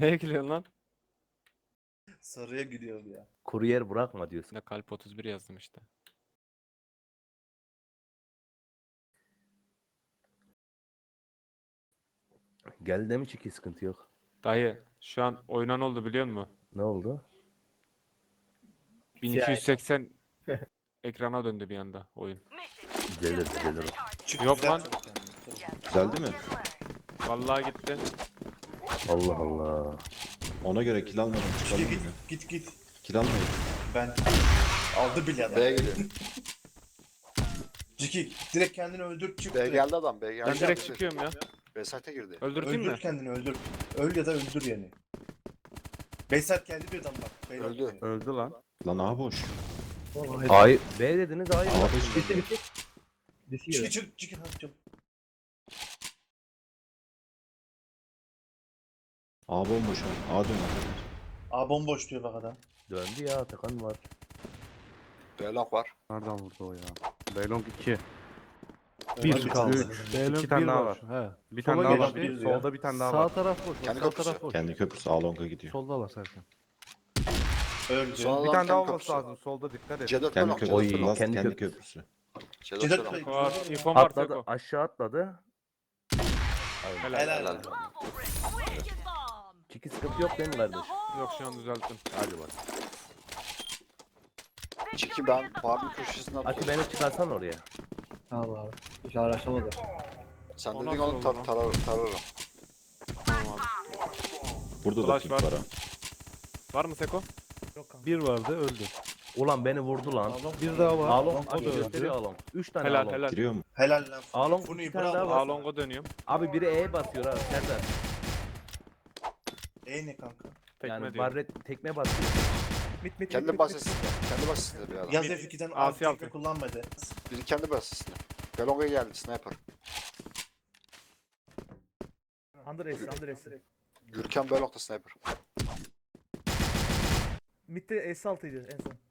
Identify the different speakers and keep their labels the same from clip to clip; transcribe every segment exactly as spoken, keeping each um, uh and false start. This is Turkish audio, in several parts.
Speaker 1: Neye gülüyorsun lan?
Speaker 2: Sarıya gülüyorum ya.
Speaker 3: Kuryer bırakma diyorsun.
Speaker 1: Ne kalp otuz bir yazdım işte.
Speaker 3: Geldi de mi çiki sıkıntı yok.
Speaker 1: Dayı şu an oynan oldu biliyor musun?
Speaker 3: Ne oldu?
Speaker 1: bin iki yüz seksen ekrana döndü bir anda oyun.
Speaker 3: Düzelir düzelir.
Speaker 2: Çık,
Speaker 1: Yok
Speaker 2: güzel
Speaker 1: lan.
Speaker 2: çabuk kendini.
Speaker 4: Güzeldi mi?
Speaker 1: Vallahi gitti.
Speaker 3: Allah Allah.
Speaker 4: Ona göre kill almadım. Çıkalım
Speaker 2: Git git
Speaker 4: yine.
Speaker 2: git git.
Speaker 4: Kill almayın.
Speaker 2: Ben aldı bile adam.
Speaker 5: B'ye geliyor.
Speaker 2: Ciki direkt kendini öldür çık.
Speaker 5: B
Speaker 2: direkt.
Speaker 5: geldi adam. B geldi.
Speaker 1: Ben direkt çıkıyorum ya.
Speaker 5: B site'e girdi.
Speaker 1: Öldürteyim
Speaker 2: Öldür
Speaker 1: mi?
Speaker 2: kendini öldür. Öl ya da öldür yani. Beysat geldi bir adam bak. Beyler
Speaker 5: Öldü.
Speaker 2: diyor.
Speaker 1: Öldü lan.
Speaker 4: Lan aha boş.
Speaker 3: Ay B dediniz ay.
Speaker 4: Aa boş.
Speaker 6: Bitti bitti.
Speaker 2: Ciki çık Ciki hadi çabuk.
Speaker 4: A bomboş ha. A dön arkadaşlar.
Speaker 2: Aa bomboş diyor bak adam.
Speaker 3: Döndü ya Atakan var.
Speaker 5: B lock var.
Speaker 7: Nereden vurdu o ya? Beylong iki.
Speaker 2: Bir
Speaker 7: Bir
Speaker 2: kaldı.
Speaker 7: İki tane daha var. He. Bir tane
Speaker 2: Sola
Speaker 7: daha
Speaker 2: gel
Speaker 7: var.
Speaker 2: bir ya.
Speaker 7: Solda bir tane daha
Speaker 6: Sağ
Speaker 7: var.
Speaker 6: taraf boş.
Speaker 5: Kendi
Speaker 6: Sağ
Speaker 5: köprüsü.
Speaker 6: taraf boş.
Speaker 4: Kendi köprüsü A longa gidiyor.
Speaker 7: Solda var Serkan.
Speaker 2: Öldü.
Speaker 5: Sol-
Speaker 7: Bir
Speaker 5: Adam
Speaker 7: tane daha
Speaker 5: kendi
Speaker 7: olması
Speaker 5: köprüsü.
Speaker 7: lazım. Solda dikkat et.
Speaker 5: C dört
Speaker 4: Kendi
Speaker 5: lock. C
Speaker 4: köprüsü.
Speaker 5: dört
Speaker 3: Oy,
Speaker 5: lock.
Speaker 3: kendi
Speaker 4: Kendi
Speaker 3: köprüsü.
Speaker 4: köprüsü.
Speaker 5: C dört
Speaker 2: Cedat
Speaker 5: lock.
Speaker 2: Bey.
Speaker 1: Var. İnfom var
Speaker 3: Atladı
Speaker 1: Seko.
Speaker 3: aşağı atladı.
Speaker 1: Helal.
Speaker 2: Helal.
Speaker 5: Helal.
Speaker 3: Çiki sıkıntı yok değil mi kardeş?
Speaker 1: Yok şu an düzelttim.
Speaker 3: Hadi bak.
Speaker 5: Çiki ben Barbie köşesinden
Speaker 3: Ati
Speaker 5: atıyorum.
Speaker 3: beni çıkarsan oraya.
Speaker 6: Tamam abi. Hiç araştırmadı.
Speaker 5: Sen
Speaker 1: O
Speaker 5: dedin
Speaker 1: nasıl
Speaker 5: onu
Speaker 1: oldu
Speaker 5: tar
Speaker 1: lan?
Speaker 5: tarar tararım.
Speaker 1: Tamam abi.
Speaker 4: Burada da
Speaker 1: Flash
Speaker 4: pink
Speaker 1: var.
Speaker 4: var ha.
Speaker 1: Var mı Seko?
Speaker 6: Bir vardı öldü.
Speaker 3: Ulan beni vurdu lan.
Speaker 6: Bir daha var.
Speaker 3: Alon
Speaker 6: O da
Speaker 3: Ati
Speaker 6: öldü.
Speaker 3: gösteriyor Alon. Üç tane
Speaker 1: Helal
Speaker 3: Alon.
Speaker 1: helal.
Speaker 4: Giriyor mu?
Speaker 2: Helal lan.
Speaker 3: Alon
Speaker 2: Bunu
Speaker 3: iki tane
Speaker 2: bravo.
Speaker 3: daha var.
Speaker 1: Alongo dönüyorum.
Speaker 3: Abi biri E basıyor ha Serdar.
Speaker 2: E ne kanka?
Speaker 1: Tekme
Speaker 3: Yani
Speaker 1: diyorum.
Speaker 3: barret tekme basıyor.
Speaker 6: Mit mit
Speaker 5: Kendi basesinde. Kendi basesinde bir adam.
Speaker 2: Yaz F iki'den
Speaker 1: Asi
Speaker 2: artı
Speaker 1: altı.
Speaker 2: tekme kullanmadı.
Speaker 5: Biri kendi basesinde. Belong'a geldi sniper.
Speaker 6: Under S, Under S.
Speaker 5: Gürkan Belong'da sniper.
Speaker 6: Mid'de S altıydı en son.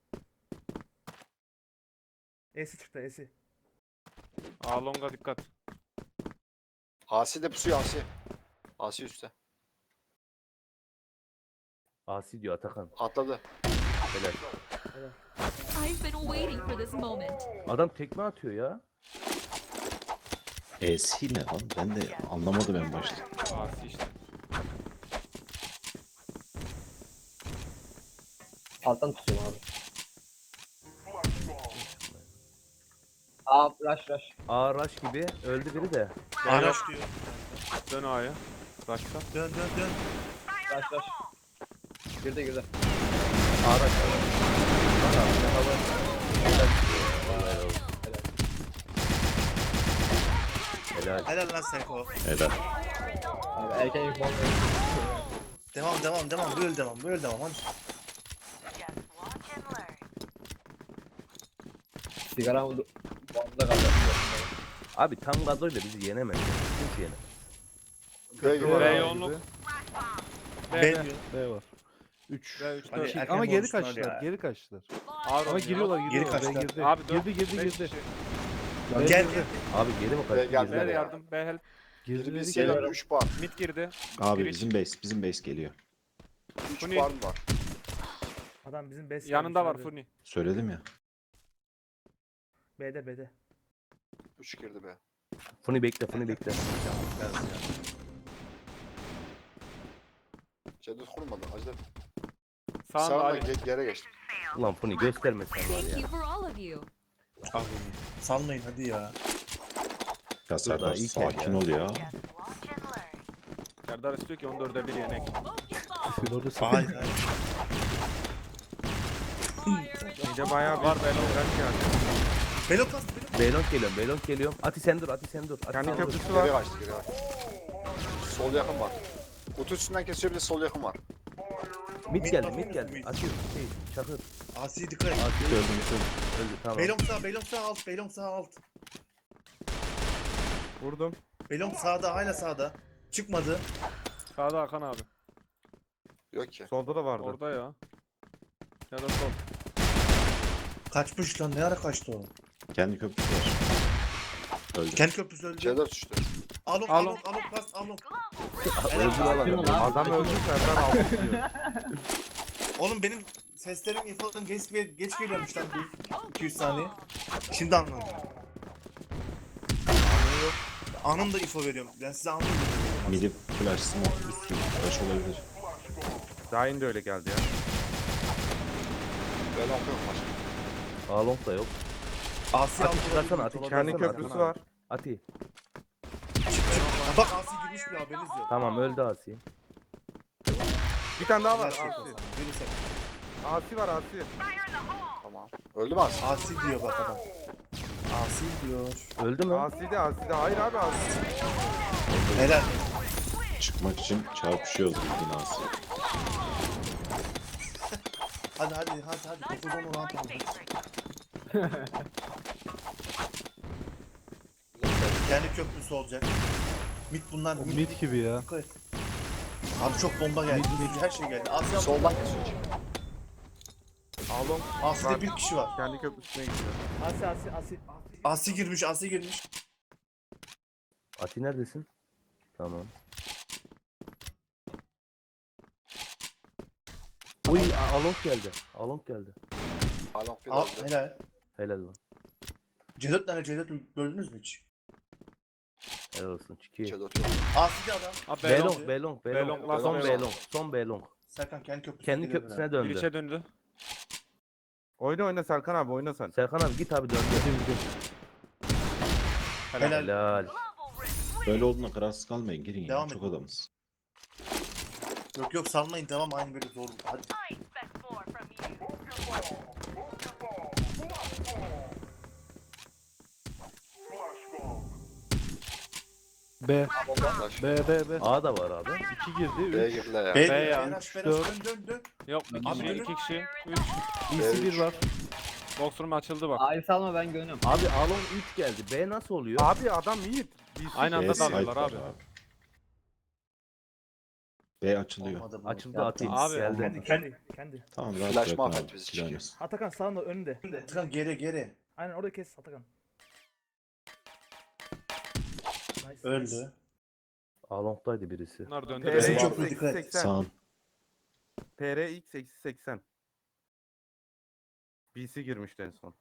Speaker 6: S'i çıktı S'i.
Speaker 1: Alonga dikkat.
Speaker 5: Asi de pusuyor Asi. Asi üstte.
Speaker 3: Asi diyor Atakan.
Speaker 5: Atladı.
Speaker 3: Helal.
Speaker 8: I've been waiting for this moment.
Speaker 3: Adam tekme atıyor ya.
Speaker 4: E'si ne lan? Ben de anlamadım en başta.
Speaker 1: Asi işte.
Speaker 6: Alttan tutuyorum abi. Aa rush rush.
Speaker 3: Ağraş gibi öldü biri de.
Speaker 2: Araç diyor.
Speaker 1: Dön A'ya. Başka.
Speaker 2: Dön dön dön.
Speaker 6: Rush rush. Girdi girdi.
Speaker 3: Ağraş. Bana hava. Helal. Vallahi helal. Helal.
Speaker 2: Helal lan Seko.
Speaker 4: Helal.
Speaker 6: Abi erken info
Speaker 2: Devam devam devam. Böyle devam. Böyle devam. Hadi.
Speaker 6: sigara oldu. Boğazda kaldı.
Speaker 3: Abi tam gazıyla bizi yenemez. Kimse yenemez.
Speaker 5: B giriyor.
Speaker 1: B
Speaker 6: Abi.
Speaker 1: yoğunluk. B,
Speaker 2: B
Speaker 1: B.
Speaker 2: diyor.
Speaker 6: B var. üç.
Speaker 1: B üç
Speaker 2: Hadi
Speaker 1: dört.
Speaker 2: erken
Speaker 6: Ama geri
Speaker 2: konuştular
Speaker 6: kaçtılar,
Speaker 2: ya.
Speaker 6: geri kaçtılar.
Speaker 1: Ağır
Speaker 6: Ama
Speaker 1: oynuyor.
Speaker 6: giriyorlar,
Speaker 2: Geri
Speaker 6: giriyorlar. B
Speaker 2: kaçtılar.
Speaker 6: girdi.
Speaker 1: Abi dört.
Speaker 6: girdi, girdi,
Speaker 1: beş
Speaker 6: girdi.
Speaker 1: kişi.
Speaker 6: B
Speaker 2: Gel
Speaker 6: girdi.
Speaker 2: gel.
Speaker 3: Abi geri mi
Speaker 5: Be-
Speaker 3: kaçtı?
Speaker 5: geldi.
Speaker 1: B
Speaker 3: Girdi.
Speaker 1: yardım. B help.
Speaker 5: Biri
Speaker 6: Girdi
Speaker 5: bir
Speaker 6: dedi
Speaker 5: siyah
Speaker 6: ki.
Speaker 5: üç bar.
Speaker 1: Mid girdi.
Speaker 4: Abi
Speaker 1: Biri-
Speaker 4: bizim base. Bizim base geliyor.
Speaker 5: üç
Speaker 1: Funi.
Speaker 5: bar mı var?
Speaker 6: Adam bizim best.
Speaker 1: Yanında var Funi.
Speaker 4: Söyledim ya.
Speaker 6: B'de B'de.
Speaker 5: üç girdi B.
Speaker 3: Funi bekle, Funi bekle.
Speaker 5: C dört kurmadı. Acele.
Speaker 1: Sağında
Speaker 5: Sağına
Speaker 1: Ali.
Speaker 5: ge- geri geçtim.
Speaker 3: Ulan Funi gösterme sen var
Speaker 8: Thank
Speaker 3: ya.
Speaker 8: you for all of you.
Speaker 2: Salmayın hadi ya.
Speaker 4: Ya Serdar
Speaker 3: daha ilk el
Speaker 4: sakin
Speaker 3: ya.
Speaker 4: ol ya.
Speaker 1: Serdar istiyor ki on dörde bir yenek.
Speaker 2: Hayır hayır.
Speaker 1: Mide bayağı var. B long rank yani.
Speaker 2: Belo kastı belo.
Speaker 3: Beylong geliyorum, Beylong geliyorum. Ati sen dur, Ati sen dur. Ati
Speaker 1: Kendi
Speaker 3: sen dur.
Speaker 1: köprüsü
Speaker 5: Geri
Speaker 1: var.
Speaker 5: kaçtı geri kaçtı. Sol yakın var. Kutu üstünden kesiyor bir de sol yakın var.
Speaker 3: Mid geldi,
Speaker 2: Mid
Speaker 3: mid
Speaker 2: var,
Speaker 3: geldi.
Speaker 2: mid.
Speaker 3: Ati, şey, Çakır.
Speaker 2: Asi dikkat et.
Speaker 3: Ati öldü, öldü. Öldü tamam.
Speaker 2: Belong sağ, Belong sağ alt, Belong sağ alt.
Speaker 1: Vurdum.
Speaker 2: Belong sağda, hala sağda. Çıkmadı.
Speaker 1: Sağda Hakan abi.
Speaker 5: Yok ki.
Speaker 7: Solda da vardı.
Speaker 1: Orada ya. Ya da sol.
Speaker 2: Kaçmış lan, ne ara kaçtı o?
Speaker 4: Kendi köprüsü var. Öldü.
Speaker 2: Kendi köprüsü öldü.
Speaker 5: C dört düştü.
Speaker 2: Alon,
Speaker 1: Alon.
Speaker 2: alon, alon, pas, alon.
Speaker 3: Öldür lan.
Speaker 7: Adam öldü Serdar aldı diyor.
Speaker 2: Oğlum benim seslerim infolarım geç, geç geliyormuş lan bir iki yüz saniye. Şimdi anladım. Anında info veriyorum. Ben size anında info veriyorum.
Speaker 4: Midi flash smoke üstü flash olabilir.
Speaker 7: Dahin de öyle geldi ya.
Speaker 5: Belong yok başka.
Speaker 3: Along da yok.
Speaker 2: Asi
Speaker 3: Ati
Speaker 2: aldı.
Speaker 3: çıkarsana Ati
Speaker 7: Kendi
Speaker 3: çıkarsana.
Speaker 7: köprüsü var.
Speaker 3: Ati.
Speaker 2: Bak Asi girmiş bir haberiniz yok.
Speaker 3: Tamam öldü Asi.
Speaker 7: Bir tane daha var.
Speaker 2: Güzel şey.
Speaker 7: Asi.
Speaker 2: Verirsen.
Speaker 7: Asi var Asi.
Speaker 5: Tamam. Öldü mü Asi?
Speaker 2: Asi diyor bak adam. Asi diyor.
Speaker 3: Öldü mü?
Speaker 7: Asi de Asi de. Hayır abi Asi.
Speaker 2: Helal.
Speaker 4: Çıkmak için çarpışıyoruz bildiğin Asi.
Speaker 2: Hadi hadi hadi hadi. dokuz on on altı oldu. Kendi köprüsü olacak. Mid bunlar. Mid,
Speaker 6: Mid gibi ya.
Speaker 2: Dikkat et. Abi çok bomba geldi. Her şey geldi. Asi
Speaker 5: Soldan kesiyor.
Speaker 7: Alon.
Speaker 2: Asi'de bir kişi var.
Speaker 7: Kendi köprüsüne gidiyor.
Speaker 6: Asi Asi Asi.
Speaker 2: Asi girmiş, Asi girmiş.
Speaker 3: Ati neredesin? Tamam. Uy A- Along geldi. Along geldi.
Speaker 5: Belong bir
Speaker 2: Al,
Speaker 5: öldü.
Speaker 2: helal.
Speaker 3: Helal lan.
Speaker 2: C dört tane C dört gördünüz mü hiç?
Speaker 3: Helal olsun. Çiki.
Speaker 5: Çedo atıyor.
Speaker 2: Asi'de adam.
Speaker 1: Abi
Speaker 3: Belong,
Speaker 1: Belong.
Speaker 3: Belong,
Speaker 1: Belong,
Speaker 3: Belong.
Speaker 1: last
Speaker 3: Son
Speaker 1: Belong.
Speaker 3: Belong, son Belong.
Speaker 2: Serkan kendi köprüsüne
Speaker 3: Kendi
Speaker 2: geliyor
Speaker 3: köprüsüne
Speaker 2: beraber.
Speaker 3: döndü.
Speaker 1: Girişe döndü.
Speaker 7: Oyna oyna Serkan abi oyna sen.
Speaker 3: Serkan abi git abi döndü.
Speaker 2: Helal.
Speaker 3: Helal.
Speaker 4: Böyle olduğuna kararsız kalmayın girin ya
Speaker 2: Devam
Speaker 4: çok
Speaker 2: edin.
Speaker 4: adamız.
Speaker 2: Yok yok salmayın devam aynı böyle zor. Hadi.
Speaker 6: B.
Speaker 5: Flash.
Speaker 6: B B B.
Speaker 3: A da var abi.
Speaker 6: iki girdi.
Speaker 5: B'ye
Speaker 6: üç.
Speaker 5: girdiler ya.
Speaker 2: B
Speaker 1: B ya.
Speaker 2: Beras, Beras,
Speaker 6: dört.
Speaker 2: dön dön dön.
Speaker 1: Yok bir
Speaker 2: Abi
Speaker 1: kişi,
Speaker 2: dönün.
Speaker 1: iki kişi. Üç.
Speaker 6: B C bir var.
Speaker 1: Boxroom açıldı bak.
Speaker 6: A'yı salma ben görünüyorum.
Speaker 3: Abi Along üç geldi. B nasıl oluyor?
Speaker 7: Abi adam iyi. Bir
Speaker 1: Aynı anda
Speaker 4: B site
Speaker 1: dalıyorlar
Speaker 4: var
Speaker 1: abi.
Speaker 4: B açılıyor.
Speaker 2: Olmadı bu.
Speaker 3: Açıldı Ati.
Speaker 1: Abi,
Speaker 3: Geldi.
Speaker 6: Kendi kendi kendi.
Speaker 4: Tamam rahat
Speaker 5: Flash
Speaker 4: bırakın
Speaker 5: mahvet
Speaker 4: abi.
Speaker 5: bizi,
Speaker 4: Silahınız.
Speaker 5: çıkıyor.
Speaker 6: Atakan sağında önünde.
Speaker 2: Tıkan geri geri.
Speaker 6: Aynen orada kes Atakan. Nice.
Speaker 2: Öldü.
Speaker 3: Along'daydı birisi.
Speaker 1: Bunlar döndü.
Speaker 7: P R
Speaker 2: Bizim
Speaker 1: Belong.
Speaker 2: köprü
Speaker 7: X
Speaker 2: dikkat et.
Speaker 7: seksen.
Speaker 4: Sağın.
Speaker 7: P R X eksi seksen. B C girmişti en son.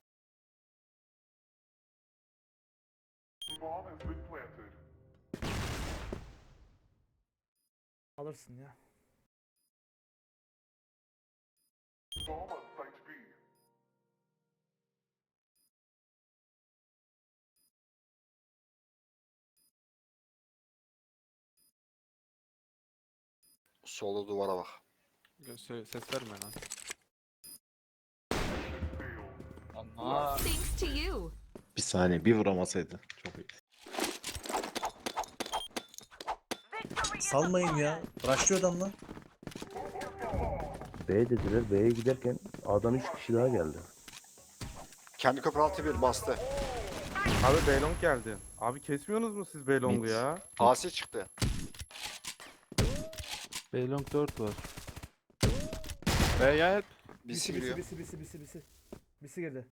Speaker 6: Alırsın ya.
Speaker 5: Solda duvara bak.
Speaker 1: Se- Ses verme lan.
Speaker 8: Thanks to you.
Speaker 4: Bir saniye bir vuramasaydı. Çok iyi.
Speaker 2: Salmayın ya. Rushlıyor adam lan.
Speaker 3: B dediler. B'ye giderken A'dan üç kişi daha geldi.
Speaker 5: Kendi köprü altı bir bastı.
Speaker 7: Abi Belong geldi. Abi kesmiyorsunuz mu siz Belong'u
Speaker 4: Mid.
Speaker 7: ya?
Speaker 5: Asi çıktı.
Speaker 6: Belong dört var.
Speaker 1: Be ya hep.
Speaker 5: Birisi
Speaker 6: Bisi
Speaker 5: giriyor.
Speaker 6: bisi bisi bisi bisi. Bisi girdi.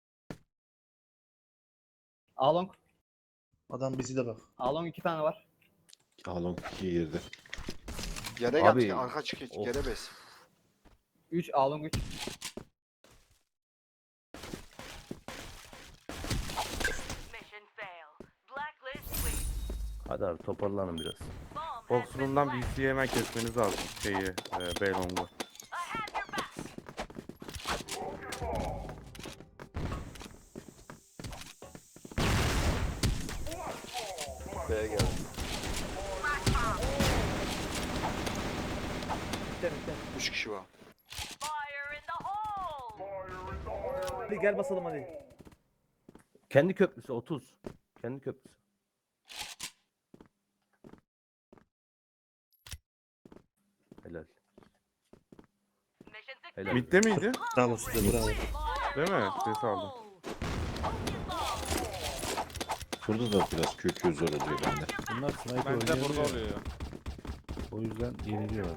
Speaker 9: Along.
Speaker 2: Adam bizi de bak.
Speaker 9: Along iki tane var.
Speaker 4: Alon ikiye girdi.
Speaker 5: Geri
Speaker 3: Abi,
Speaker 5: geldi. Arka çıkıyor.
Speaker 3: of.
Speaker 5: Geri bes.
Speaker 9: üç Along üç.
Speaker 3: Hadi abi toparlanın biraz.
Speaker 7: Boxroom'dan B C'yi hemen kesmeniz lazım. Şeyi, e, Belong'u.
Speaker 5: B'ye geldi.
Speaker 6: Bitti bitti.
Speaker 5: Üç kişi var.
Speaker 6: Hadi gel basalım hadi.
Speaker 3: Kendi köprüsü otuz. Kendi köprüsü. Helal. Helal.
Speaker 7: Mid'de miydi?
Speaker 2: Bravo size bravo.
Speaker 7: Değil mi? Ses aldım.
Speaker 4: Burada da biraz kökü zor oluyor bende.
Speaker 6: Bunlar sniper
Speaker 1: Bende de burada oluyor ya.
Speaker 6: O yüzden yeniliyorlar.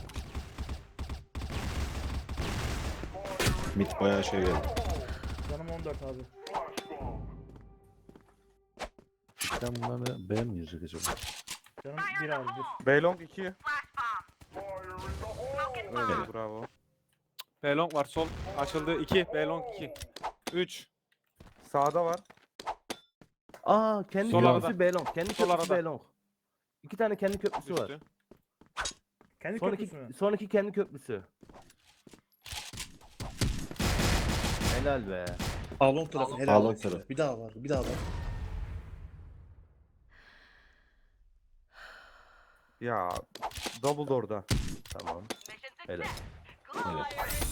Speaker 4: Mid bayağı şey geldi.
Speaker 6: Canım on dört abi. Sen bunları beğenmeyecek acaba.
Speaker 10: Canım bir abi bir.
Speaker 7: Beylong iki.
Speaker 1: Öyle
Speaker 7: Evet. Bravo.
Speaker 1: Belong var sol. Açıldı. iki. Belong iki. üç.
Speaker 7: Sağda var.
Speaker 3: Aa kendi
Speaker 1: Sol
Speaker 3: köprüsü
Speaker 1: arada.
Speaker 3: Belong. Kendi
Speaker 1: Sol
Speaker 3: köprüsü
Speaker 1: arada.
Speaker 3: Belong. İki tane kendi köprüsü var.
Speaker 1: Düştü.
Speaker 10: Kendi
Speaker 3: Son
Speaker 10: köprüsü mü?
Speaker 3: iki, son iki kendi köprüsü. Helal be.
Speaker 2: Alon tarafı helal
Speaker 4: Alon
Speaker 2: olsun.
Speaker 4: tarafı.
Speaker 2: Bir daha var. Bir daha var.
Speaker 7: Ya double door'da.
Speaker 3: Tamam. Helal.
Speaker 4: Evet.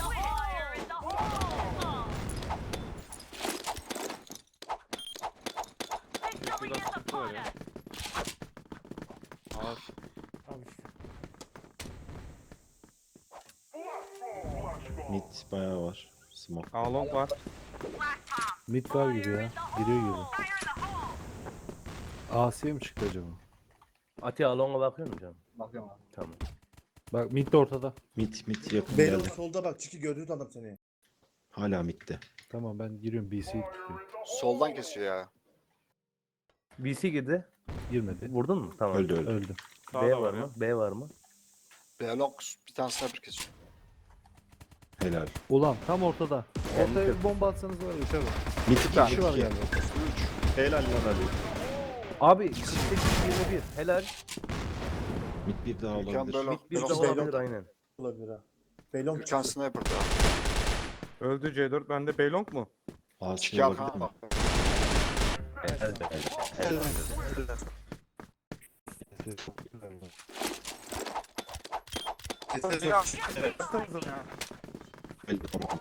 Speaker 1: Biraz sıkıntı var ya. Ağır.
Speaker 10: Al işte.
Speaker 4: Mid bayağı var. Smoke.
Speaker 7: Along var.
Speaker 6: Mid var gibi ya. Giriyor gibi. Asiye mi çıktı acaba?
Speaker 3: Ati Along'a bakıyor musun canım?
Speaker 9: Bakıyorum abi.
Speaker 3: Tamam.
Speaker 6: Bak mid de ortada.
Speaker 4: Mid mid yakın
Speaker 2: Belon
Speaker 4: geldi.
Speaker 2: solda bak. Çiki gördüğün adam seni.
Speaker 4: Hala midde.
Speaker 6: Tamam ben giriyorum B C'yi tutuyorum.
Speaker 5: Soldan kesiyor ya.
Speaker 3: B C girdi.
Speaker 6: Girmedi.
Speaker 3: Vurdun mu? Tamam.
Speaker 4: Öldü öldü.
Speaker 6: Öldü.
Speaker 3: B
Speaker 1: Sağda
Speaker 3: var
Speaker 1: var ya.
Speaker 3: mı? B var mı?
Speaker 5: Belong bir tane sniper kesiyor.
Speaker 4: Helal.
Speaker 6: Ulan tam ortada.
Speaker 3: Kendi
Speaker 6: Ortaya
Speaker 3: köprü.
Speaker 6: bir bomba atsanız var ya. Tabii.
Speaker 4: Mid
Speaker 6: İki
Speaker 4: iki.
Speaker 6: kişi var
Speaker 4: Mid iki.
Speaker 6: galiba.
Speaker 4: Helal lan Ali.
Speaker 3: Abi kırk sekiz yirmi bir. Helal.
Speaker 4: Mid bir daha
Speaker 5: Mükemmel
Speaker 4: olabilir.
Speaker 5: Belong.
Speaker 3: Bir de
Speaker 2: Belong-
Speaker 3: olabilir aynen.
Speaker 2: Olabilir ha. Belon
Speaker 5: Bir tane sniper daha.
Speaker 7: Öldü C dört. Bende Beylong mu?
Speaker 4: Asi
Speaker 5: Çiki
Speaker 4: olabilir
Speaker 5: arkana
Speaker 4: mi?
Speaker 5: bak.
Speaker 3: Helal be. Helal.
Speaker 4: Belli tamam.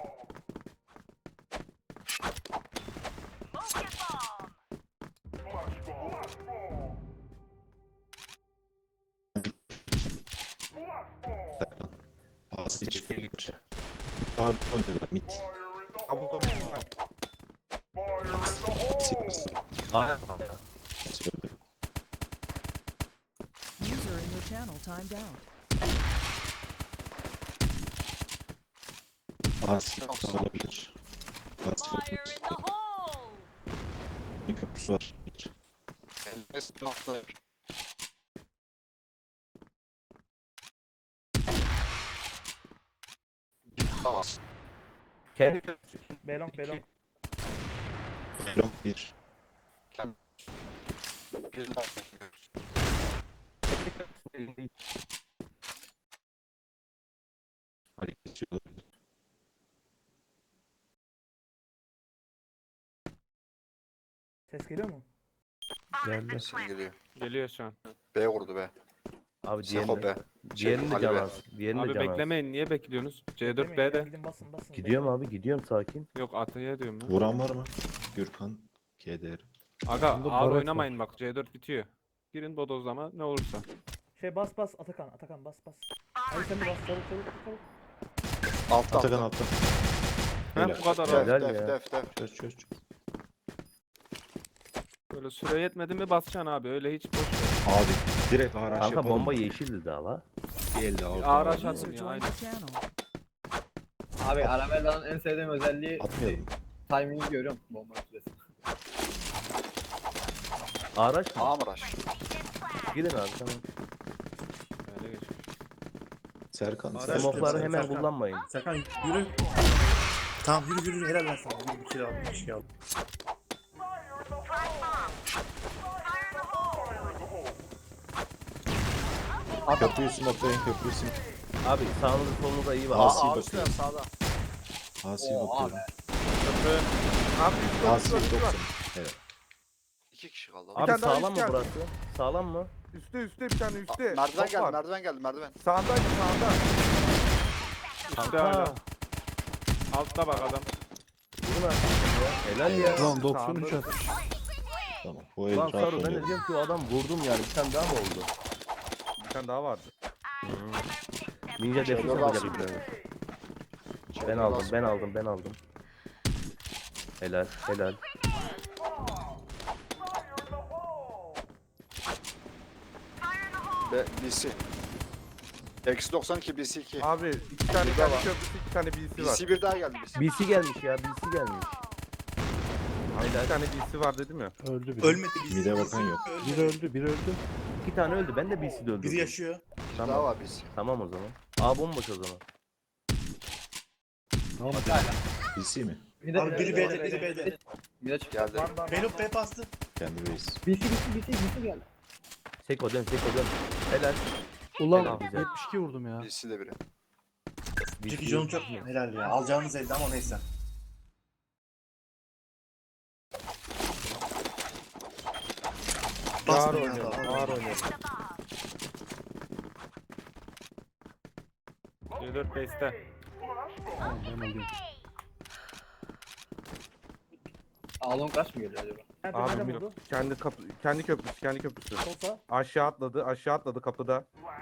Speaker 4: Asi çıkıyor. Daha oynuyorlar mid.
Speaker 7: Double door.
Speaker 4: Asi.
Speaker 3: Aynen.
Speaker 4: Asi öldü.
Speaker 8: User in your channel timed out.
Speaker 4: Asi olabilir. Asi olabilir. Bir köprüsü var.
Speaker 5: Elbette sniper. Tamam.
Speaker 3: Kendi köprüsü.
Speaker 10: Belong belong.
Speaker 4: Belong bir.
Speaker 5: Bir daha.
Speaker 4: Ali kesiyor olabilir.
Speaker 10: Ses geliyor mu?
Speaker 6: Geldi.
Speaker 5: Sen geliyor.
Speaker 1: Geliyor şu an.
Speaker 5: B vurdu be.
Speaker 3: Abi
Speaker 5: Seko
Speaker 3: diğerini,
Speaker 5: B.
Speaker 3: diğerini de
Speaker 5: Ali
Speaker 3: can
Speaker 5: be.
Speaker 3: az. Diğerini
Speaker 1: Abi
Speaker 3: de can az.
Speaker 1: beklemeyin. Niye bekliyorsunuz? C dört
Speaker 10: Demeyin ya,
Speaker 1: B'de.
Speaker 10: Gidin basın basın.
Speaker 3: Gidiyorum abi gidiyorum sakin.
Speaker 1: Yok Atay'a diyorum ya.
Speaker 4: Vuran var mı? Gürkan. K D R.
Speaker 1: Aga
Speaker 6: Bunda
Speaker 1: ağır
Speaker 6: barak
Speaker 1: oynamayın bak. C dört bitiyor. Girin bodozlama ne olursa.
Speaker 10: Şey bas bas Atakan Atakan bas bas. Hadi sen de bas çabuk çabuk çabuk.
Speaker 5: Altta
Speaker 4: Atakan
Speaker 5: altta.
Speaker 4: altta.
Speaker 1: Heh,
Speaker 4: Helal.
Speaker 1: bu kadar
Speaker 5: Def
Speaker 1: abi.
Speaker 3: Helal
Speaker 5: def
Speaker 3: ya.
Speaker 5: def def.
Speaker 4: Çöz çöz çöz.
Speaker 1: Böyle süre yetmedi mi basacaksın abi. Öyle hiç boş ver.
Speaker 4: Abi direkt araç
Speaker 3: Kanka
Speaker 4: yapalım.
Speaker 3: bomba yeşildi daha la.
Speaker 4: Bir elde aldı.
Speaker 1: Araç
Speaker 4: Abi.
Speaker 1: atın
Speaker 8: User
Speaker 1: ya
Speaker 8: joined
Speaker 1: aynen.
Speaker 8: your channel.
Speaker 9: Abi Arabella'nın en sevdiğim özelliği
Speaker 4: Atmayalım.
Speaker 9: timing'i görüyorum bomba süresi.
Speaker 3: Araç mı?
Speaker 5: A mı rush?
Speaker 3: Gidin abi tamam.
Speaker 1: Öyle geçmiş.
Speaker 4: Serkan.
Speaker 2: Araç
Speaker 4: Serkan.
Speaker 3: Smoke'ları hemen
Speaker 2: Serkan.
Speaker 3: kullanmayın.
Speaker 2: Serkan yürü. Tamam yürü yürü helal lan sana. Yürü bir şey al. Bir şey al.
Speaker 4: Köprüyü smoklayın köprüyü smoklayın.
Speaker 3: Abi sağınızı solunuza iyi bak.
Speaker 4: Asi
Speaker 5: A A
Speaker 4: bakıyor.
Speaker 5: üstüne sağda.
Speaker 4: Asi'ye
Speaker 9: Oo,
Speaker 4: bakıyorum.
Speaker 7: Köprü. Abi üst var, üst
Speaker 4: Asi
Speaker 7: var, üst var.
Speaker 4: doksan. Evet.
Speaker 5: İki kişi kaldı.
Speaker 3: Abi
Speaker 7: tane daha
Speaker 3: sağlam
Speaker 7: üst
Speaker 3: mı
Speaker 7: geldi.
Speaker 3: burası? Sağlam mı?
Speaker 7: Üstte üstte bir tane
Speaker 5: Aa,
Speaker 7: üstte.
Speaker 5: merdiven
Speaker 7: Top
Speaker 5: geldi
Speaker 7: var.
Speaker 5: merdiven geldi merdiven.
Speaker 7: Sağındaydı sağında.
Speaker 1: Üstte hala.
Speaker 3: Ha.
Speaker 1: Altta bak adam.
Speaker 3: Vurun artık ya. Helal ya.
Speaker 6: Ulan doksan üç atmış.
Speaker 4: Tamam. Bu el
Speaker 3: Lan
Speaker 4: rahat
Speaker 3: Saru ben de
Speaker 4: oluyor.
Speaker 3: diyorum ki o adam vurdum yani bir tane daha mı oldu?
Speaker 7: Bir tane daha vardı.
Speaker 3: Ninja
Speaker 5: Şey,
Speaker 3: defis
Speaker 5: yok
Speaker 3: yapacak
Speaker 5: aslında.
Speaker 3: bir tane. Ben aldım ben aldım ben aldım. Helal helal.
Speaker 5: B, B C. Eksi doksan iki B C iki.
Speaker 7: Abi iki tane
Speaker 5: Bir daha
Speaker 7: kendi
Speaker 5: var.
Speaker 7: köprüsü iki tane B C
Speaker 5: B
Speaker 7: var.
Speaker 5: C bir daha geldi B C.
Speaker 3: B C gelmiş ya B C gelmiş.
Speaker 7: Abi bir tane B C var dedim ya.
Speaker 6: Öldü biri.
Speaker 2: Ölmedi biz.
Speaker 4: Mide bakan yok.
Speaker 6: Biri öldü, biri öldü.
Speaker 3: İki tane öldü. Ben de B C'de öldürdüm.
Speaker 2: Biri yaşıyor.
Speaker 5: Bir daha var biz.
Speaker 3: Tamam o zaman. A bomboş o zaman.
Speaker 6: Tamam.
Speaker 4: B C mi?
Speaker 9: Bir de
Speaker 2: Abi biri B'de, biri B'de.
Speaker 9: Bir de çık.
Speaker 5: Geldi.
Speaker 10: Var var.
Speaker 2: Belop B bastı.
Speaker 4: Kendi base.
Speaker 9: B C B C B C B C geldi.
Speaker 3: Seko dön, Seko dön. Helal.
Speaker 6: Ulan
Speaker 3: Helal bize.
Speaker 6: yetmiş iki vurdum ya.
Speaker 5: B C de biri.
Speaker 3: B C
Speaker 2: Jackie John'un çok helal ya. Alacağınız elde ama neyse.
Speaker 7: Ağır
Speaker 2: Basma ya
Speaker 7: oynayalım.
Speaker 2: da.
Speaker 7: Ağır oynayalım.
Speaker 1: C dört base'te.
Speaker 6: Tamam ben alayım.
Speaker 9: Alon kaç mı geliyor acaba?
Speaker 10: Nerede
Speaker 7: Abi
Speaker 10: nerede
Speaker 7: Miro
Speaker 10: vurdu?
Speaker 7: kendi kapı kendi köprüsü kendi köprüsü.
Speaker 10: Solsa.
Speaker 7: Aşağı atladı aşağı atladı kapıda.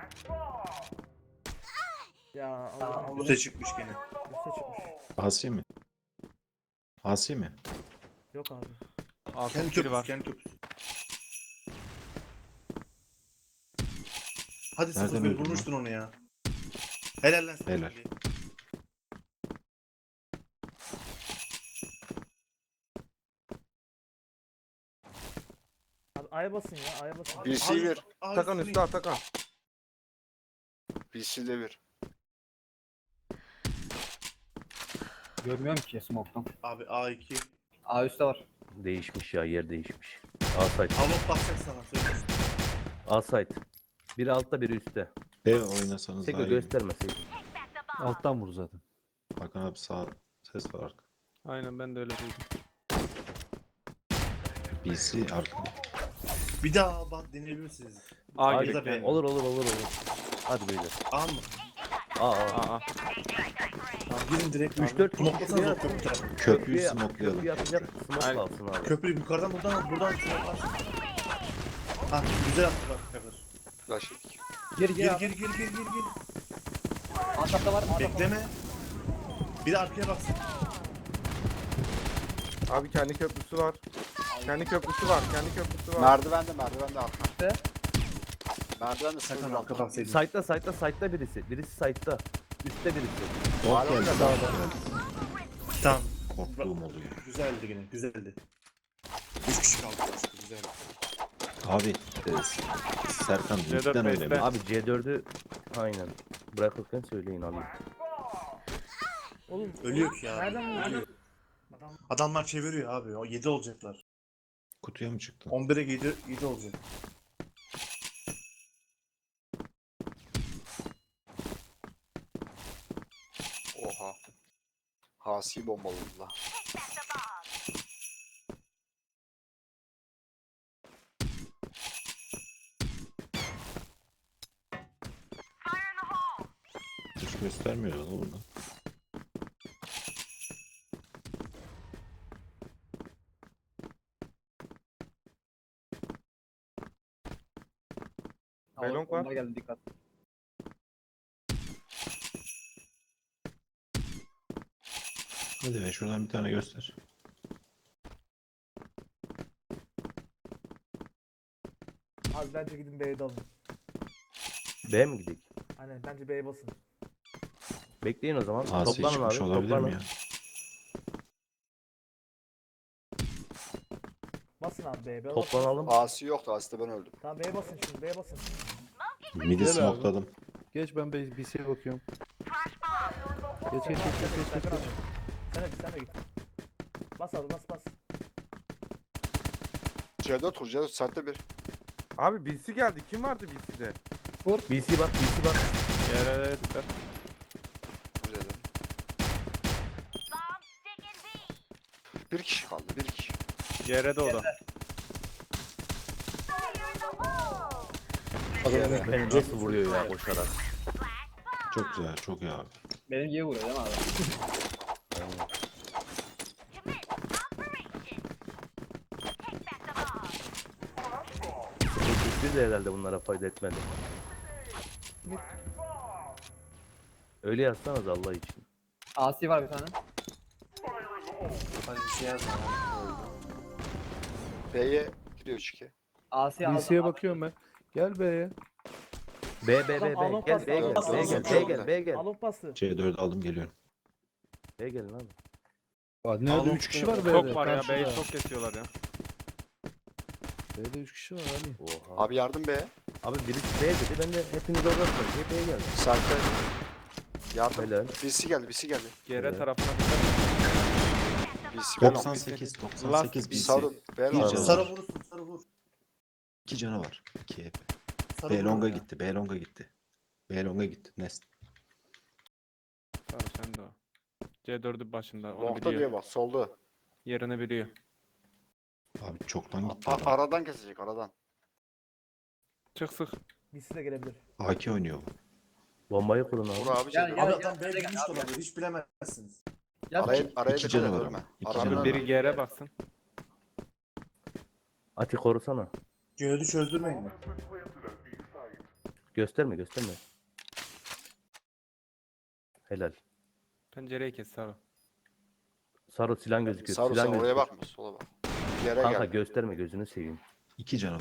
Speaker 10: Ya Allah Allah.
Speaker 2: Üste çıkmış gene.
Speaker 10: Üste çıkmış.
Speaker 4: Asi mi? Asi mi?
Speaker 10: Yok abi.
Speaker 1: Altı
Speaker 2: Kendi
Speaker 1: biri
Speaker 2: köprüsü,
Speaker 1: var.
Speaker 2: kendi köprüsü. Hadi
Speaker 4: Nereden
Speaker 2: sıfır bir
Speaker 4: öldün
Speaker 2: vurmuştun onu ya. Helal lan.
Speaker 4: Helal.
Speaker 10: Abi A'ya basın ya A'ya basın.
Speaker 5: B C bir.
Speaker 2: Abi,
Speaker 7: Atakan
Speaker 2: üstüne-
Speaker 7: üstü Atakan.
Speaker 5: B C de bir.
Speaker 9: Görmüyorum ki smoke'tan.
Speaker 2: Abi A iki.
Speaker 9: A üstte var.
Speaker 3: Değişmiş ya, yer değişmiş. A site.
Speaker 2: Alop basacak sana söylüyorsun.
Speaker 3: A site. Biri altta, biri üstte.
Speaker 4: B oynasanız
Speaker 3: Seko
Speaker 4: daha iyi.
Speaker 3: göstermeseydin.
Speaker 6: Alttan vur zaten.
Speaker 4: Hakan abi sağ ses var arka.
Speaker 1: Aynen ben de öyle duydum.
Speaker 4: B C arka.
Speaker 2: Bir daha bak deneyebilir misiniz?
Speaker 1: A
Speaker 3: A
Speaker 1: gibi.
Speaker 2: da B.
Speaker 3: Olur olur olur olur. Hadi beyler.
Speaker 2: A mı?
Speaker 3: A A.
Speaker 1: A A.
Speaker 2: Tamam girin direkt.
Speaker 3: üç dört
Speaker 2: Smoklasanız
Speaker 3: kişi
Speaker 2: o köprü tarafı.
Speaker 4: Köprüyü
Speaker 3: Köprüye
Speaker 4: smoklayalım.
Speaker 3: köprüye atacak smoke
Speaker 1: Aynen.
Speaker 3: alsın abi.
Speaker 2: Köprüyü yukarıdan buradan buradan smoklarsın. Ha güzel attı bak kadar.
Speaker 5: Flash yedik.
Speaker 9: Gir gir
Speaker 2: Gir
Speaker 9: abi.
Speaker 2: gir gir gir gir gir.
Speaker 9: Atapta var mı? Atapta var.
Speaker 2: Bekleme. Bir de arkaya baksın.
Speaker 7: Abi kendi köprüsü var. Kendi köprüsü var. Kendi köprüsü var.
Speaker 5: Merdivende merdivende arka.
Speaker 9: Ne?
Speaker 5: Merdivende
Speaker 2: Sakın
Speaker 5: sıfır
Speaker 2: arka baksaydın.
Speaker 3: Site'da site'da site'da birisi. Birisi site'da. Üstte birisi.
Speaker 4: Bot geldi. Bot geldi.
Speaker 2: Tamam.
Speaker 4: Korktuğum oluyor.
Speaker 2: Güzeldi yine güzeldi. Üç kişi kaldı başka güzeldi.
Speaker 4: Abi e, Serkan
Speaker 1: C dört
Speaker 4: lütfen öyle
Speaker 1: base'te.
Speaker 4: mi?
Speaker 3: Abi C dördü aynen. Bırakırken söyleyin alayım.
Speaker 10: Oğlum.
Speaker 2: Ölüyor ki ya.
Speaker 10: Nereden vurdu?
Speaker 2: Ölüyor.
Speaker 10: Adam
Speaker 2: Adamlar çeviriyor abi. O yedi olacaklar.
Speaker 4: Kutuya mı çıktın?
Speaker 2: on bire yedi, yedi olacak.
Speaker 5: Oha. Hasi bombaladılar.
Speaker 4: Hiç göstermiyor lan burada.
Speaker 7: Belong var.
Speaker 9: Onlar geldi dikkat.
Speaker 4: Hadi be şuradan bir tane göster.
Speaker 10: abi bence gidin B'ye dalın.
Speaker 3: B mi gidik?
Speaker 10: Aynen bence B'ye basın.
Speaker 3: Bekleyin o zaman.
Speaker 4: Asi
Speaker 3: Toplanın
Speaker 4: çıkmış
Speaker 3: abi.
Speaker 4: olabilir
Speaker 3: Toplanın.
Speaker 4: mi ya?
Speaker 10: Basın abi B'ye. B'ye basın.
Speaker 3: Toplanalım.
Speaker 5: Hasi yoktu. Hasi'de ben öldüm.
Speaker 10: Tamam B'ye basın şimdi B'ye basın.
Speaker 4: Midi
Speaker 6: Gel abi.
Speaker 4: smokladım.
Speaker 6: Geç ben B C'ye bakıyorum. Geç geç geç geç geç geç. geç.
Speaker 10: Sen de git sen de git. Bas abi bas bas.
Speaker 5: C dört kur. C dört saatte bir.
Speaker 7: Abi B C geldi. Kim vardı B C'de?
Speaker 3: B C bak, B C bak.
Speaker 1: Yere dikkat.
Speaker 5: Güzel. Bir kişi kaldı. Bir kişi.
Speaker 1: Yere de o da.
Speaker 3: Beni nasıl vuruyor ya koşarak.
Speaker 4: Çok güzel, çok iyi abi.
Speaker 9: Benim gibi vuruyor değil mi abi?
Speaker 3: Hiçbir de herhalde bunlara fayda etmedi. Öyle yazsanız Allah için.
Speaker 9: Asi var bir tane.
Speaker 2: Hadi bir şey yazma.
Speaker 5: B'ye gidiyor üç iki.
Speaker 9: Asi
Speaker 6: B
Speaker 9: aldı.
Speaker 6: C'ye bakıyorum ben. Gel B'ye.
Speaker 3: B B B
Speaker 10: Tamam,
Speaker 3: B
Speaker 10: alın
Speaker 3: gel
Speaker 10: pas,
Speaker 3: B
Speaker 10: alın
Speaker 3: gel
Speaker 10: pas,
Speaker 3: B
Speaker 10: alın
Speaker 3: gel
Speaker 5: pas.
Speaker 3: B gel B gel
Speaker 10: Alon pası.
Speaker 4: C dört aldım geliyorum.
Speaker 3: B gelin abi.
Speaker 6: Aa, nerede
Speaker 2: Alon
Speaker 6: üç kişi var B'de?
Speaker 1: Çok var ya.
Speaker 6: karşıda.
Speaker 1: B'yi çok kesiyorlar ya.
Speaker 6: B'de üç kişi var Ali.
Speaker 3: Oha.
Speaker 5: Abi yardım be.
Speaker 3: Abi birisi B dedi. Ben de hepiniz oradasınız diye B'ye geldim.
Speaker 5: Serkan. Yardım.
Speaker 3: Helal.
Speaker 5: Birisi geldi, birisi geldi.
Speaker 1: G R
Speaker 3: Evet.
Speaker 1: tarafına dikkat.
Speaker 5: Birisi geldi.
Speaker 4: doksan sekiz doksan
Speaker 1: Last
Speaker 4: sekiz
Speaker 5: Bir
Speaker 4: B C.
Speaker 5: sarın. Beyler.
Speaker 4: Bir
Speaker 3: Sarı.
Speaker 4: canı
Speaker 2: Sarı
Speaker 4: var.
Speaker 2: vurursun sarı vur.
Speaker 4: İki canı var. İki hep.
Speaker 2: Sarı
Speaker 4: B
Speaker 2: vur
Speaker 4: longa
Speaker 2: ya.
Speaker 4: gitti. B longa gitti. B longa gitti. Nest.
Speaker 1: Sarı sen de o. C dördü başında. Onu
Speaker 5: Long'da
Speaker 1: biliyor.
Speaker 5: diye bak, solda.
Speaker 1: Yerini biliyor.
Speaker 4: Abi çoktan gitti.
Speaker 5: A-
Speaker 4: adam.
Speaker 5: aradan kesecek, aradan.
Speaker 1: Çık sık.
Speaker 10: B C de gelebilir.
Speaker 4: A K oynuyor bu.
Speaker 3: Bombayı kurun abi.
Speaker 5: Vur abi.
Speaker 9: Gel,
Speaker 5: Gel,
Speaker 9: gel.
Speaker 2: Abi adam B
Speaker 9: gel,
Speaker 2: gitmiş
Speaker 9: gel.
Speaker 2: de olabilir. Hiç bilemezsiniz.
Speaker 9: Gel.
Speaker 5: Araya, araya
Speaker 4: İki
Speaker 5: dikkat
Speaker 4: canı
Speaker 5: et,
Speaker 4: var
Speaker 5: ölme.
Speaker 4: ama. İki
Speaker 5: Aradan
Speaker 4: canı var.
Speaker 5: ölme.
Speaker 1: Biri G R'e baksın.
Speaker 3: Ati korusana.
Speaker 2: Göğdü çözdürmeyin mi?
Speaker 3: Gösterme gösterme. Helal.
Speaker 1: Pencereyi kes Sarı.
Speaker 3: Sarı silah gözüküyor.
Speaker 5: Sarı
Speaker 3: silah
Speaker 5: sen oraya
Speaker 3: gözüküyor.
Speaker 5: bakma, sola bak. Yere
Speaker 3: Kanka
Speaker 5: gel.
Speaker 3: gösterme gözünü seveyim.
Speaker 4: İki canı var.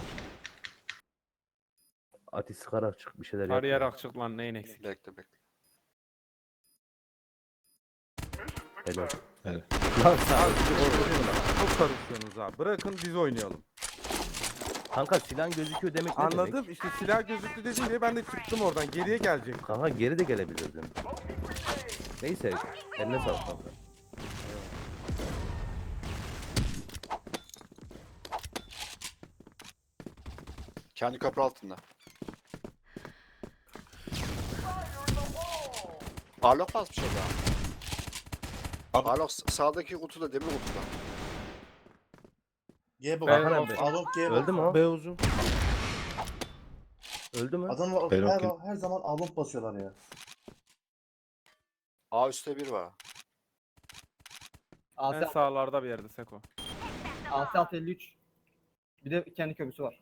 Speaker 3: Ati sıkarak çık bir şeyler yap.
Speaker 1: Arayarak çık lan neyin eksik.
Speaker 5: Bekle bekle.
Speaker 3: Helal.
Speaker 4: Helal.
Speaker 3: Lan Sarı.
Speaker 7: Çok karışıyorsunuz abi. Bırakın biz oynayalım.
Speaker 3: Kanka silah gözüküyor demek ne
Speaker 7: Anladım.
Speaker 3: demek?
Speaker 7: İşte silah gözüktü dedi diye ben de çıktım oradan. Geriye gelecek.
Speaker 3: Kanka geri de gelebilirdin. Neyse eline sağlık kanka.
Speaker 5: Kendi köprü altında. Arlok basmış ya.
Speaker 2: Abi-
Speaker 5: Arlok sağdaki kutuda, demir kutuda.
Speaker 2: G bak.
Speaker 1: Ben-
Speaker 2: Alon Alon G bak.
Speaker 3: Öldü mü o?
Speaker 6: B uzun.
Speaker 3: Öldü mü?
Speaker 2: Adamlar
Speaker 4: Ben
Speaker 2: her,
Speaker 4: okey.
Speaker 2: her zaman alon basıyorlar ya.
Speaker 5: A üstte bir var.
Speaker 1: En
Speaker 9: Asya
Speaker 1: sağlarda bir yerde Seko.
Speaker 9: Asya altı elli üç. Bir de kendi köprüsü var.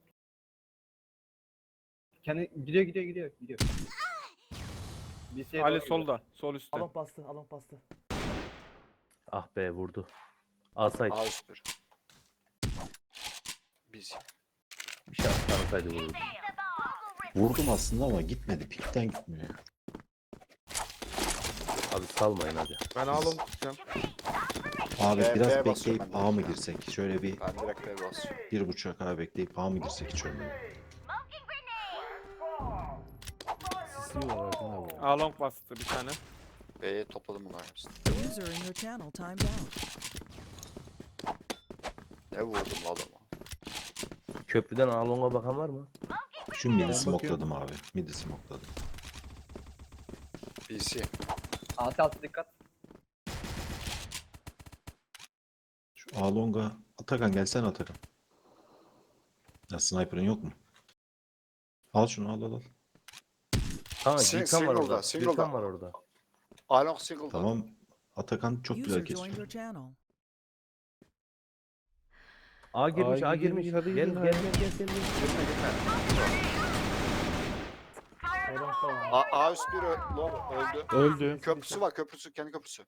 Speaker 9: Kendi gidiyor gidiyor gidiyor gidiyor. B C'ye
Speaker 1: Ali
Speaker 9: doğru gidiyor.
Speaker 1: solda. Sol üstte.
Speaker 10: Alon bastı, alon bastı.
Speaker 3: Ah be vurdu. Alsaydı.
Speaker 5: A üst bir. Biz.
Speaker 3: Bir şey atlansaydı vururdu.
Speaker 4: Vurdum aslında ama gitmedi. Pikten gitmiyor. ya.
Speaker 3: Abi salmayın hadi.
Speaker 7: Ben alım tutacağım.
Speaker 4: Abi
Speaker 5: B-
Speaker 4: biraz
Speaker 5: B basıyorum
Speaker 4: bekleyip
Speaker 5: ben de.
Speaker 4: A mı girsek? Şöyle bir
Speaker 5: Ben direkt B basıyorum.
Speaker 4: bir buçuk A bekleyip A mı girsek hiç olmuyor.
Speaker 6: Sisliyorlar Erkan abi.
Speaker 1: Along bastı bir tane.
Speaker 5: B'ye topladım bunları hepsini.
Speaker 11: User in your channel timed out.
Speaker 5: Ne vurdum la adama.
Speaker 3: Köprüden Along'a bakan var mı?
Speaker 4: Şu midi
Speaker 6: Ben
Speaker 4: smokladım abi. Midi smokladım.
Speaker 5: B C.
Speaker 9: Asya altı dikkat.
Speaker 4: Şu A longa Atakan gelsene Atakan. Ya sniper'ın yok mu? Al şunu al al al.
Speaker 3: Kanka
Speaker 5: Sing-
Speaker 3: Gülkan var
Speaker 5: single'da,
Speaker 3: orada.
Speaker 5: single'da.
Speaker 3: Gülkan var orada.
Speaker 5: Arlok single'da.
Speaker 4: Tamam. Atakan çok güzel
Speaker 11: User joined
Speaker 4: kesiyor.
Speaker 11: your channel.
Speaker 3: A girmiş,
Speaker 6: Aa,
Speaker 3: A
Speaker 6: girmiş,
Speaker 3: girmiş.
Speaker 6: hadi
Speaker 3: Gel
Speaker 6: gidin,
Speaker 3: gel
Speaker 6: hadi.
Speaker 3: gel gel gel.
Speaker 10: Alon tamam.
Speaker 5: A, A üst bir ö- long öldü.
Speaker 6: Öldü.
Speaker 5: Köprüsü var, köprüsü, kendi köprüsü.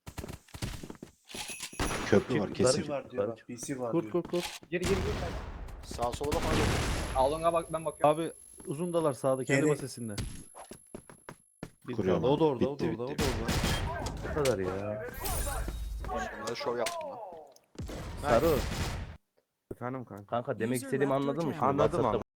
Speaker 4: Köprü
Speaker 3: Kim-
Speaker 4: var
Speaker 2: B
Speaker 4: kesin.
Speaker 2: C var diyor bak. B C var
Speaker 6: Kurt
Speaker 2: diyor.
Speaker 6: kurt kurt.
Speaker 9: Geri geri geri.
Speaker 5: Sağa sola bak hadi.
Speaker 9: Alonga bak ben bakıyorum.
Speaker 6: Abi uzundalar sağda kendi
Speaker 2: Geri-
Speaker 6: basesinde. Bir
Speaker 4: Kuruyorum
Speaker 6: kaldı. O da
Speaker 4: abi.
Speaker 6: orada, o da
Speaker 4: Bitti,
Speaker 6: orada, o da
Speaker 4: bitti.
Speaker 6: orada.
Speaker 3: Bu kadar ya.
Speaker 5: Şimdi şov yaptım lan.
Speaker 3: Sarı.
Speaker 7: Efendim kanka.
Speaker 3: Kanka demek
Speaker 11: User
Speaker 3: istediğimi
Speaker 11: left your
Speaker 3: anladın mı
Speaker 11: channel.
Speaker 3: şimdi?
Speaker 7: Anladım
Speaker 3: WhatsApp'ta
Speaker 7: ama.